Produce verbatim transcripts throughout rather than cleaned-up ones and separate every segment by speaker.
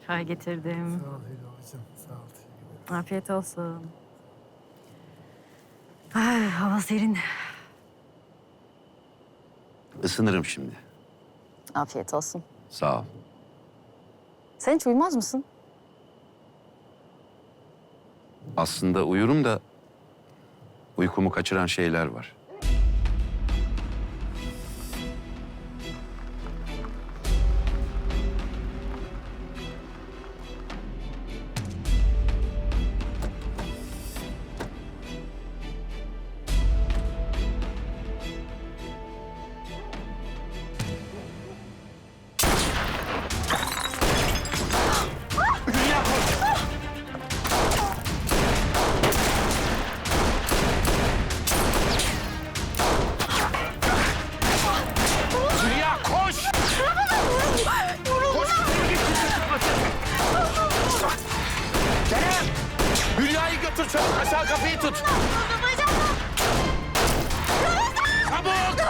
Speaker 1: Çay getirdim.
Speaker 2: Sağ ol Helvacığım, sağ ol. Teşekkür ederim.
Speaker 1: Afiyet olsun. Ay, hava serin.
Speaker 3: Isınırım şimdi.
Speaker 1: Afiyet olsun.
Speaker 3: Sağ ol.
Speaker 1: Sen hiç uyumaz mısın?
Speaker 3: Aslında uyurum da uykumu kaçıran şeyler var.
Speaker 4: Hülya koş! Koş! Kerem! Hülya'yı götür çabuk aşağı kapıyı tut. Çabuk!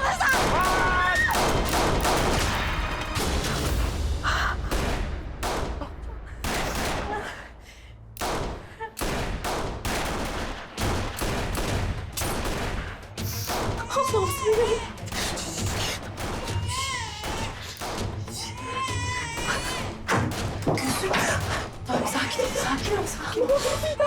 Speaker 5: Tamam, sakin ol, sakin ol, sakin ol.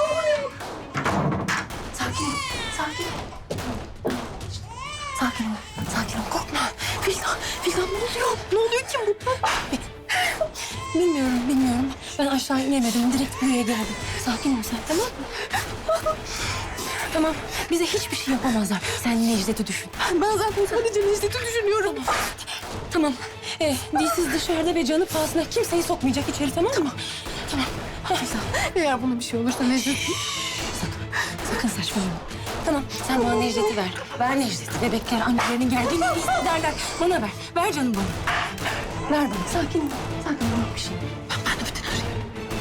Speaker 5: Sakin ol, sakin ol. Sakin ol, sakin ol. Korkma. Fildan, Fildan ne oluyor? Ne oluyor kim bu? Bilmiyorum, bilmiyorum. Ben aşağı inemedim. Direkt buraya geldim. Sakin ol sen, tamam mı? Tamam, bize hiçbir şey yapamazlar. Sen Necdet'i düşün. Ben zaten sadece Necdet'i düşünüyorum. Tamam, tamam. Ee, dilsiz dışarıda ve canı pahasına kimseyi sokmayacak içeri, tamam mı? Tamam. Eğer buna bir şey olursa Necdet... Sakın, sakın saçmalama. Tamam, sen bana Necdet'i ver. Ver Necdet'i. Bebekler annelerinin geldiğini hissederler. Bana ver. Ver canım bana. Ver bana. Sakin ol. Sakin ol. Yok bir şey. Ben, ben de bütün arayayım.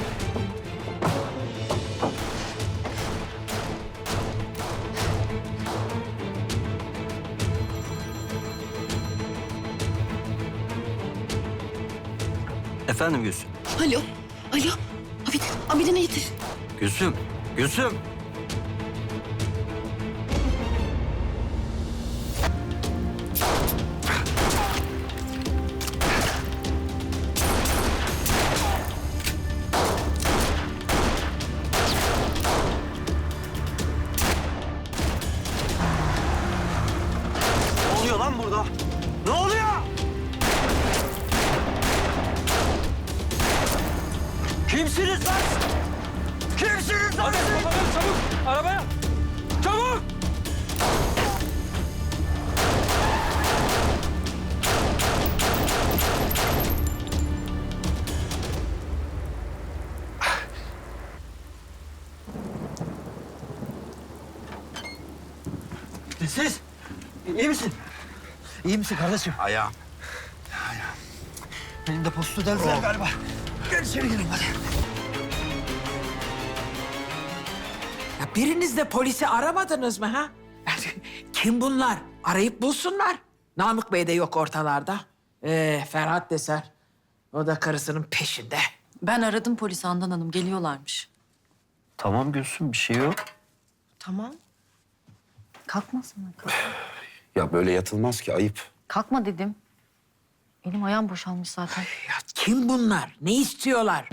Speaker 6: Efendim Gülsüm.
Speaker 5: Alo. Alo. Abidin. Abidin'e getir.
Speaker 6: Gülsüm. Gülsüm. Ne oluyor lan burada? Ne oluyor? Kimsiniz lan? Kimsiniz lan?
Speaker 4: Hadi bakalım çabuk arabaya! Çabuk!
Speaker 6: Siz? İyi misin? İyi misin kardeşim?
Speaker 3: Ayağım.
Speaker 6: Benim de postu deldiler galiba. Gel içeri girelim hadi.
Speaker 7: Ya biriniz de polisi aramadınız mı ha? Kim bunlar? Arayıp bulsunlar. Namık Bey de yok ortalarda. Ee, Ferhat Deser. O da karısının peşinde.
Speaker 8: Ben aradım polisi Handan Hanım, geliyorlarmış.
Speaker 6: Tamam Gülsüm bir şey yok.
Speaker 8: Tamam. Kalkmasın.
Speaker 3: Ya böyle yatılmaz ki, ayıp.
Speaker 8: Kalkma dedim. Elim ayağım boşalmış zaten.
Speaker 7: Ya kim bunlar? Ne istiyorlar?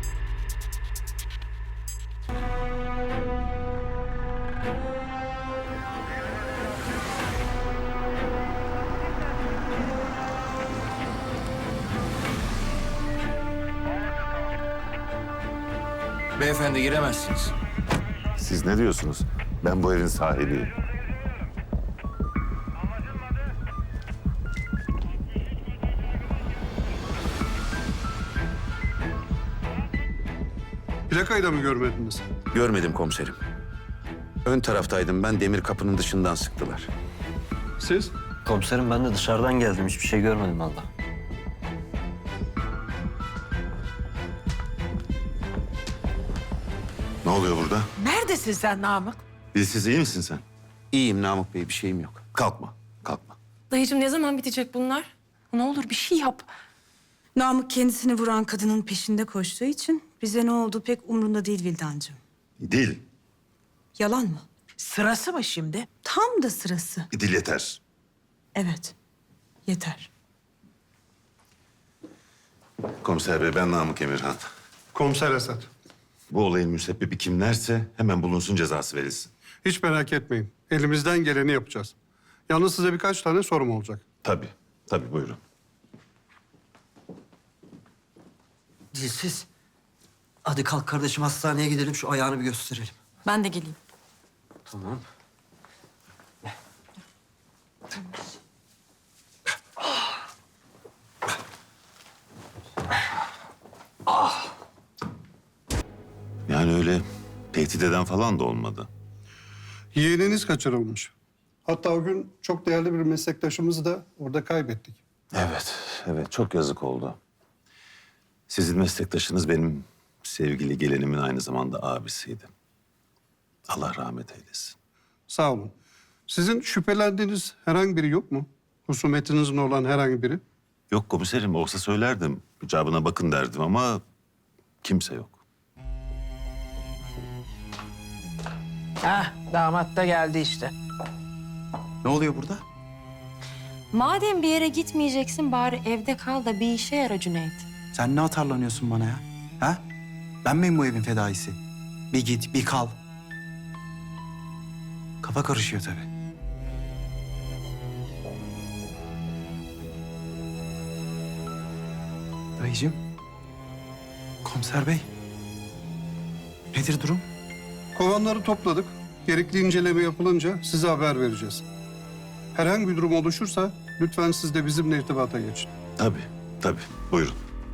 Speaker 4: Beyefendi giremezsiniz.
Speaker 9: Siz ne diyorsunuz? Ben bu evin sahibiyim.
Speaker 10: Plakayı da mı görmediniz?
Speaker 3: Görmedim komiserim. Ön taraftaydım ben, demir kapının dışından sıktılar.
Speaker 10: Siz?
Speaker 6: Komiserim ben de dışarıdan geldim. Hiçbir şey görmedim valla.
Speaker 9: Ne oluyor burada?
Speaker 7: Neredesin sen Namık?
Speaker 9: Dilsiz iyi misin sen?
Speaker 3: İyiyim Namık Bey, bir şeyim yok.
Speaker 9: Kalkma, kalkma.
Speaker 5: Dayıcığım ne zaman bitecek bunlar? Ne olur bir şey yap.
Speaker 11: Namık kendisini vuran kadının peşinde koştuğu için bize ne oldu pek umrunda değil Vildancığım.
Speaker 9: Dil.
Speaker 11: Yalan mı?
Speaker 7: Sırası mı şimdi?
Speaker 11: Tam da sırası.
Speaker 9: Dil yeter.
Speaker 11: Evet. Yeter.
Speaker 9: Komiser bey ben Namık Emirhan.
Speaker 10: Komiser Esat.
Speaker 9: Bu olayın müsebbibi kimlerse hemen bulunsun, cezası verilsin.
Speaker 10: Hiç merak etmeyin. Elimizden geleni yapacağız. Yalnız size birkaç tane sorum olacak.
Speaker 9: Tabii, tabii buyurun.
Speaker 6: Dilsiz. Hadi kalk kardeşim hastaneye gidelim şu ayağını bir gösterelim.
Speaker 5: Ben de geleyim.
Speaker 6: Tamam.
Speaker 9: Yani öyle tehdit eden falan da olmadı.
Speaker 10: Yeğeniniz kaçırılmış. Hatta o gün çok değerli bir meslektaşımızı da orada kaybettik.
Speaker 9: Evet, evet çok yazık oldu. Sizin meslektaşınız benim sevgili gelinimin aynı zamanda abisiydi. Allah rahmet eylesin.
Speaker 10: Sağ olun. Sizin şüphelendiğiniz herhangi biri yok mu? Husumetinizin olan herhangi biri?
Speaker 9: Yok komiserim, olsa söylerdim. İcabına bakın derdim ama kimse yok.
Speaker 7: Hah, damat da geldi işte.
Speaker 6: Ne oluyor burada?
Speaker 5: Madem bir yere gitmeyeceksin bari evde kal da bir işe yara Cüneyt.
Speaker 6: Sen ne atarlanıyorsun bana ya? Ha? Ben miyim bu evin fedaisi? Bir git, bir kal. Kafa karışıyor tabii. Dayıcığım. Komiser bey. Nedir durum?
Speaker 10: Kovanları topladık. Gerekli inceleme yapılınca size haber vereceğiz. Herhangi bir durum oluşursa lütfen siz de bizimle irtibata geçin.
Speaker 9: Tabii, tabii. Buyurun.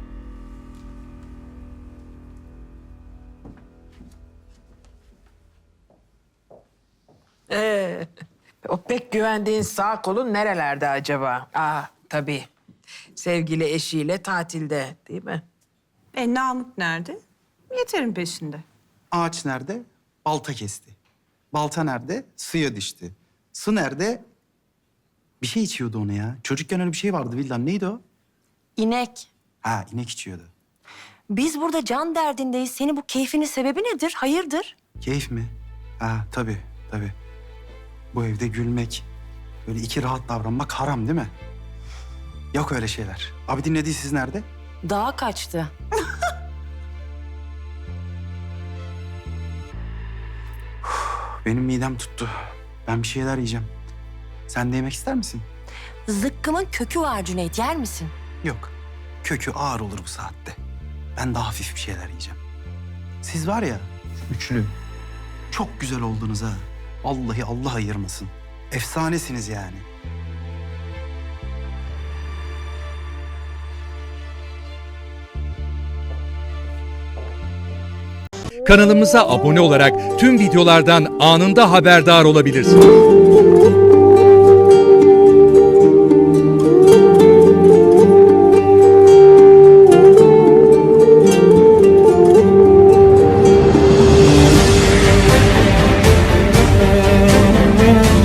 Speaker 7: Ee, o pek güvendiğin sağ kolun nerelerde acaba? Aa, tabii. Sevgili eşiyle tatilde, değil mi?
Speaker 11: E Namık nerede? Yeter'in peşinde.
Speaker 6: Ağaç nerede? Balta kesti. Balta nerede? Suya düştü. Su nerede? Bir şey içiyordu onu ya. Çocukken öyle bir şey vardı Vildan. Neydi o?
Speaker 5: İnek.
Speaker 6: Ha, inek içiyordu.
Speaker 5: Biz burada can derdindeyiz. Senin bu keyfinin sebebi nedir? Hayırdır?
Speaker 6: Keyif mi? Ha, tabii, tabii. Bu evde gülmek, böyle iki rahat davranmak haram değil mi? Yok öyle şeyler. Abi dinlediği siz nerede?
Speaker 5: Dağa kaçtı.
Speaker 6: Benim midem tuttu. Ben bir şeyler yiyeceğim. Sen de yemek ister misin?
Speaker 5: Zıkkımın kökü var Cüneyt. Yer misin?
Speaker 6: Yok. Kökü ağır olur bu saatte. Ben daha hafif bir şeyler yiyeceğim. Siz var ya, üçlü. Çok güzel oldunuz ha. Vallahi Allah ayırmasın. Efsanesiniz yani.
Speaker 12: Kanalımıza abone olarak tüm videolardan anında haberdar olabilirsiniz.